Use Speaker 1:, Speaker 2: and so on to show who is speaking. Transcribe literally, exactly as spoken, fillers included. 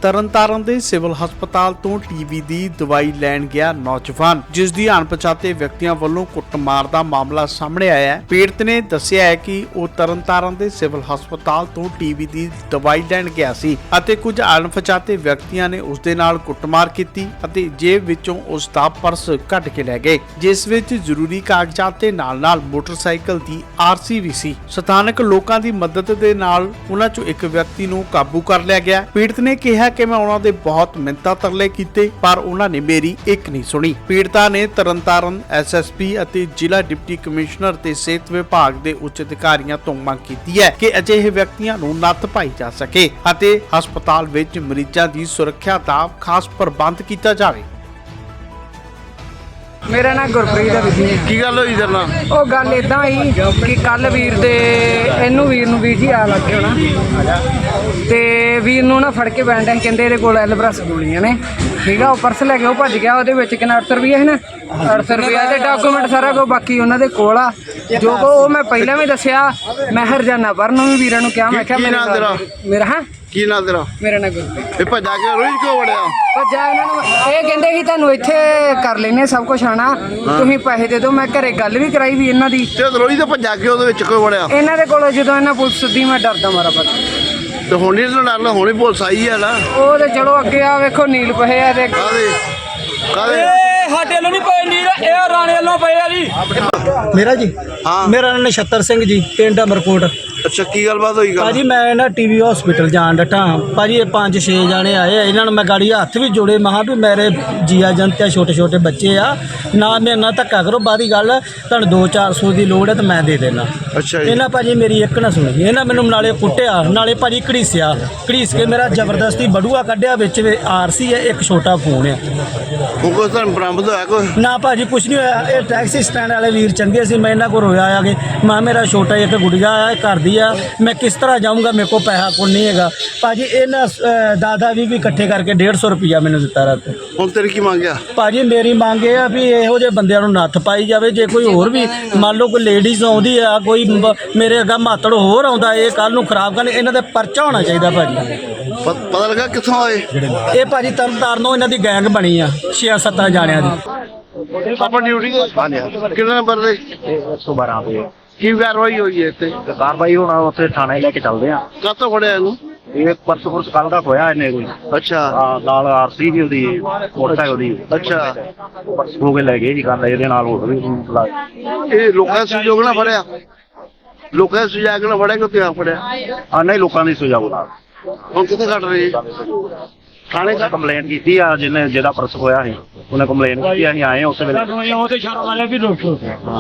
Speaker 1: ਤਰਨਤਾਰਨ ਦੇ ਸਿਵਲ ਹਸਪਤਾਲ ਤੋਂ ਟੀਵੀ ਦੀ ਦਵਾਈ ਲੈਣ ਗਿਆ ਨੌਜਵਾਨ, ਜਿਸ ਦੀ ਅਣਪਛਾਤੇ ਵਿਅਕਤੀਆਂ ਵੱਲੋਂ ਕੁੱਟਮਾਰ ਦਾ ਮਾਮਲਾ ਸਾਹਮਣੇ ਆਇਆ ਹੈ। ਪੀੜਤ ਨੇ ਦੱਸਿਆ ਹੈ ਕਿ ਉਹ ਤਰਨਤਾਰਨ ਦੇ ਸਿਵਲ ਹਸਪਤਾਲ ਤੋਂ ਟੀਵੀ ਦੀ ਦਵਾਈ ਲੈਣ ਗਿਆ ਸੀ ਅਤੇ ਕੁਝ ਅਣਪਛਾਤੇ ਵਿਅਕਤੀਆਂ ਨੇ ਉਸ ਦੇ ਨਾਲ ਕੁੱਟਮਾਰ ਕੀਤੀ ਅਤੇ ਜੇਬ ਵਿੱਚੋਂ ਉਸ ਦਾ ਪਰਸ ਕੱਢ ਕੇ ਲੈ ਗਏ, ਜਿਸ ਵਿੱਚ ਜ਼ਰੂਰੀ ਕਾਗਜ਼ਾਤ ਦੇ ਨਾਲ-ਨਾਲ ਮੋਟਰਸਾਈਕਲ ਦੀ ਆਰਸੀ ਵੀ ਸੀ। ਸਥਾਨਕ ਲੋਕਾਂ ਦੀ ਮਦਦ ਦੇ ਨਾਲ ਉਹਨਾਂ ਚੋਂ ਇੱਕ ਵਿਅਕਤੀ ਨੂੰ ਕਾਬੂ ਕਰ ਲਿਆ ਗਿਆ। ਪੀੜਤ ਨੇ ਕਿਹਾ ਕਿ ਮੈਂ ਉਹਨਾਂ ਦੇ ਬਹੁਤ ਮਿੰਨਤਾਂ ਤਰਲੇ ਕੀਤੇ, ਪਰ ਉਹਨਾਂ ਨੇ ਮੇਰੀ ਇੱਕ ਨਹੀਂ ਸੁਣੀ। ਪੀੜਤਾ ਨੇ ਤਰਨਤਾਰਨ ਐਸ ਐਸ ਪੀ ਅਤੇ ਜ਼ਿਲ੍ਹਾ ਡਿਪਟੀ ਕਮਿਸ਼ਨਰ ਤੇ ਸਿਹਤ ਵਿਭਾਗ ਦੇ ਉੱਚ ਅਧਿਕਾਰੀਆਂ ਤੋਂ ਮੰਗ ਕੀਤੀ ਹੈ ਕਿ ਅਜਿਹੇ ਵਿਅਕਤੀਆਂ ਨੂੰ ਨੱਥ ਪਾਈ ਜਾ ਸਕੇ ਅਤੇ ਹਸਪਤਾਲ ਵਿੱਚ ਮਰੀਜ਼ਾਂ ਦੀ ਸੁਰੱਖਿਆ ਦਾ ਖਾਸ ਪ੍ਰਬੰਧ ਕੀਤਾ ਜਾਵੇ।
Speaker 2: ਮੇਰਾ ਨਾਮ ਗੁਰਪ੍ਰੀਤ ਹੈ ਵੀਰ ਜੀ।
Speaker 3: ਕੀ ਗੱਲ ਹੋਈ ਤੇਰੇ ਨਾਲ?
Speaker 2: ਉਹ ਗੱਲ ਇਦਾਂ ਹੀ ਕਿ ਕੱਲ ਵੀਰ ਦੇ ਇਹਨੂੰ ਵੀਰ ਨੂੰ ਵੀਰ ਜੀ ਆ ਲੱਗੇ ਹੋਣਾ ਤੇ ਵੀਰ ਨੂੰ ਨਾ ਫੜ ਕੇ ਬੈਠੇ, ਕਹਿੰਦੇ ਇਹਦੇ ਕੋਲ ਐਲਬਰਸ ਗੋਲੀਆਂ ਨੇ, ਠੀਕ ਆ। ਉਹ ਪਰਸ ਲੈ ਕੇ ਉਹ ਭੱਜ ਗਿਆ, ਉਹਦੇ ਵਿੱਚ ਕਿੰਨਾ ਅੱਠ ਸੌ ਰੁਪਈਆ ਹੈ ਨਾ, ਅੱਠ ਸੌ ਰੁਪਈਆ ਦੇ ਡਾਕੂਮੈਂਟ ਸਾਰਾ ਕੁਝ ਬਾਕੀ ਉਹਨਾਂ ਦੇ ਕੋਲ ਆ। ਜੋ ਕੋ ਉਹ ਮੈਂ ਪਹਿਲਾਂ ਵੀ ਦੱਸਿਆ, ਮੈਂ ਹਰਜਾਨਾ ਪਰ ਨੂੰ ਵੀ ਵੀਰਾਂ ਨੂੰ ਕਿਹਾ, ਮੈਂ ਕਿਹਾ ਮੇਰਾ ਮੇਰਾ ਹਾਂ
Speaker 3: ਕੀ ਨਾਂ ਤੇਰਾ?
Speaker 2: ਮੇਰਾ ਨਾਮ ਗੁਰਪ੍ਰੀਤ।
Speaker 3: ਇਹ ਭੱਜਾ ਕੇ ਰੋਜ਼ ਕਿਉਂ ਵੜਿਆ?
Speaker 2: ਭੱਜਾ ਇਹਨਾਂ ਨੂੰ ਇਹ ਕਹਿੰਦੇ ਸੀ ਤੁਹਾਨੂੰ ਇੱਥੇ ਕਰ ਲੈਨੇ ਸਭ ਕੁਝ ਆਣਾ, ਤੁਸੀਂ ਪੈਸੇ ਦੇ ਦਿਓ। ਮੈਂ ਘਰੇ ਗੱਲ ਵੀ ਕਰਾਈ ਵੀ ਇਹਨਾਂ ਦੀ,
Speaker 3: ਤੇ ਰੋਜ਼ ਤੇ ਭੱਜਾ ਕੇ ਉਹਦੇ ਵਿੱਚ ਕਿਉਂ ਵੜਿਆ?
Speaker 2: ਇਹਨਾਂ ਦੇ ਕੋਲ ਜਦੋਂ ਇਹਨਾਂ ਪੁਲਿਸ ਸੱਦੀ ਮੈਂ ਡਰਦਾ ਮਾਰਾ ਪਤਾ
Speaker 3: ਤੇ ਹੁਣ ਨਹੀਂ ਡਰਨਾ, ਹੁਣੇ ਪੁਲਿਸ ਆਈ ਹੈ ਨਾ।
Speaker 2: ਉਹ ਤੇ ਚਲੋ ਅੱਗੇ ਆ ਵੇਖੋ ਨੀਲ ਪਏ ਆ ਤੇ
Speaker 3: ਕਾਹਦੇ ਕਾਹਦੇ
Speaker 4: ਸਾਡੇ ਵੱਲੋਂ ਨਹੀਂ ਪਏ ਨੀਲ, ਇਹ ਰਾਣੇ ਵੱਲੋਂ ਪਏ ਆ ਜੀ।
Speaker 5: ਮੇਰਾ ਜੀ
Speaker 3: ਹਾਂ
Speaker 5: ਮੇਰਾ ਨਾਮ ਨਛੱਤਰ ਸਿੰਘ ਜੀ, ਪਿੰਡ ਅਮਰਕੋਟ।
Speaker 3: ਅੱਛਾ, ਕੀ ਗੱਲਬਾਤ ਹੋਈ? ਗੱਲ
Speaker 5: ਭਾਜੀ ਮੈਂ ਨਾ ਟੀਵੀ ਹਸਪੀਟਲ ਜਾਣ ਡਟਾ ਭਾਜੀ। ਇਹ ਪੰਜ ਛੇ ਜਾਣੇ ਆਏ, ਇਹਨਾਂ ਨੂੰ ਮੈਂ ਗਾੜੀ ਹੱਥ ਵੀ ਜੋੜੇ, ਮਹਾ ਵੀ ਮੇਰੇ ਜੀਆ ਜੰਤ ਆ, ਛੋਟੇ ਛੋਟੇ ਬੱਚੇ ਆ, ਨਾ ਮੇਰੇ ਨਾਲ ਧੱਕਾ ਕਰੋ। ਬਾਦੀ ਗੱਲ ਤੁਹਾਨੂੰ ਦੋ ਚਾਰ ਸੌ ਦੀ ਲੋੜ ਹੈ ਤਾਂ ਮੈਂ ਦੇ ਦੇਣਾ।
Speaker 3: ਅੱਛਾ ਜੀ।
Speaker 5: ਇਹਨਾਂ ਭਾਜੀ ਮੇਰੀ ਇੱਕ ਨਾ ਸੁਣੀ, ਇਹਨਾਂ ਮੈਨੂੰ ਨਾਲੇ ਕੁੱਟਿਆ ਨਾਲੇ ਭਾਜੀ ਘੜੀਸਿਆ, ਘੜੀਸ ਕੇ ਮੇਰਾ ਜ਼ਬਰਦਸਤੀ ਬੜੂਆ ਕੱਢਿਆ, ਵਿੱਚ ਆਰ ਸੀ ਹੈ, ਇੱਕ ਛੋਟਾ ਫੋਨ ਆ।
Speaker 3: ਉਹ ਕੋਈ ਤੁਹਾਨੂੰ ਬਰਾਮਦ ਹੋਇਆ ਕੋਈ?
Speaker 5: ਨਾ ਭਾਜੀ ਕੁਛ ਨਹੀਂ ਹੋਇਆ। ਇਹ ਟੈਕਸੀ ਸਟੈਂਡ ਵਾਲੇ ਵੀਰ ਚੰਗੇ ਸੀ, ਮੈਂ ਇਹਨਾਂ ਕੋਲ ਰੋਇਆ ਆ ਕੇ, ਮਾਂ ਮੇਰਾ ਛੋਟਾ ਇੱਕ ਗੁੜੀਆ ਆ, ਘਰ ਦੀ ਆ, ਮੈਂ ਕਿਸ ਤਰ੍ਹਾਂ ਜਾਊਂਗਾ, ਮੇਰੇ ਕੋਲ ਪੈਸਾ ਕੋਈ ਨਹੀਂ ਹੈਗਾ। ਭਾਜੀ ਇਹਨਾਂ ਦਾਦਾ ਵੀ ਵੀ ਇਕੱਠੇ ਕਰਕੇ ਡੇਢ ਸੌ ਰੁਪਈਆ ਮੈਨੂੰ ਦਿੱਤਾ ਰਾਤ।
Speaker 3: ਹੁਣ ਤੇਰੀ ਕੀ ਮੰਗਿਆ?
Speaker 5: ਭਾਜੀ ਮੇਰੀ ਮੰਗ ਇਹ ਆ ਵੀ ਇਹੋ ਜਿਹੇ ਬੰਦਿਆਂ ਨੂੰ ਨੱਥ ਪਾਈ ਜਾਵੇ। ਜੇ ਕੋਈ ਹੋਰ ਵੀ ਮੰਨ ਲਓ ਕੋਈ ਲੇਡੀਜ਼ ਆਉਂਦੀ ਆ, ਕੋਈ ਮ- ਮੇਰੇ ਅੱਗਾ ਮਾਤੜ ਹੋਰ ਆਉਂਦਾ, ਇਹ ਕੱਲ ਨੂੰ ਖਰਾਬ ਕਰਨ, ਇਹਨਾਂ ਦੇ ਪਰਚਾ ਹੋਣਾ ਚਾਹੀਦਾ ਭਾਜੀ।
Speaker 3: ਪ- ਪਤਾ ਲੱਗਾ ਕਿੱਥੋਂ ਆਏ?
Speaker 5: ਇਹ ਭਾਜੀ ਤਰਨਤਾਰਨੋਂ ਇਹਨਾਂ ਦੀ ਗੈਂਗ ਬਣੀ ਆ, ਛੇ ਸੱਤਾਂ ਜਾਣਿਆਂ ਦੀ।
Speaker 3: ਆਪਾਂ ਡਿਊਟੀ ਤੇ ਕਿੰਨੇ ਨੰਬਰ ਦੇ?
Speaker 6: ਇੱਕ ਸੌ ਬਾਰਾਂ ਤੇ
Speaker 3: ਕੀ ਕਾਰਵਾਈ ਹੋਈ ਹੈ ਇੱਥੇ?
Speaker 6: ਕਾਰਵਾਈ ਹੁਣ ਉੱਥੇ ਥਾਣੇ ਲੈ ਕੇ ਚੱਲਦੇ ਆ।
Speaker 3: ਕਾਹਤੋਂ ਫੜਿਆ ਇਹਨੂੰ?
Speaker 6: ਇਹ ਪਰਸ ਪੁਰਸ ਕੱਲ ਦਾ ਹੋਇਆ ਇਹਨੇ ਕੋਈ।
Speaker 3: ਅੱਛਾ
Speaker 6: ਆ ਨਾਲ ਆਰਸੀ ਵੀ ਉਹਦੀ, ਮੋਟਰਸਾਈਕਲ ਦੀ।
Speaker 3: ਅੱਛਾ,
Speaker 6: ਪਰਸ ਹੋ ਕੇ ਲੈ ਗਏ ਜੀ, ਗੱਲ ਇਹਦੇ ਨਾਲ ਹੋਰ ਵੀ ਲਾ-
Speaker 3: ਇਹ ਲੋਕਾਂ ਦਾ ਸਹਿਯੋਗ ਨਾਲ ਫੜਿਆ? ਲੋਕਾਂ ਦਾ ਸਹਿਯੋਗ ਨਾਲ ਫੜਿਆ ਕਿ ਉੱਥੇ ਆ ਫੜਿਆ?
Speaker 6: ਆ ਨਹੀਂ ਲੋਕਾਂ ਦੀ ਸੁਝਾਅ ਨਾਲ
Speaker 3: ਹੁਣ ਕਿੱਥੇ ਕੱਢ ਰਹੇ? ਥਾਣੇ
Speaker 6: ਉਹਨੇ ਕੰਪਲੇਂਟ ਕੀਤੀ ਆ, ਜਿਹਨੇ ਜਿਹਦਾ ਪਰਸ ਹੋਇਆ ਸੀ ਉਹਨੇ ਕੰਪਲੇਂਟ ਕੀਤੀ, ਅਸੀਂ ਆਏ ਉਸ ਵੇਲੇ।
Speaker 4: ਉਹ ਤੇ ਸ਼ਰਮ ਵਾਲੇ ਵੀ ਲੋਕ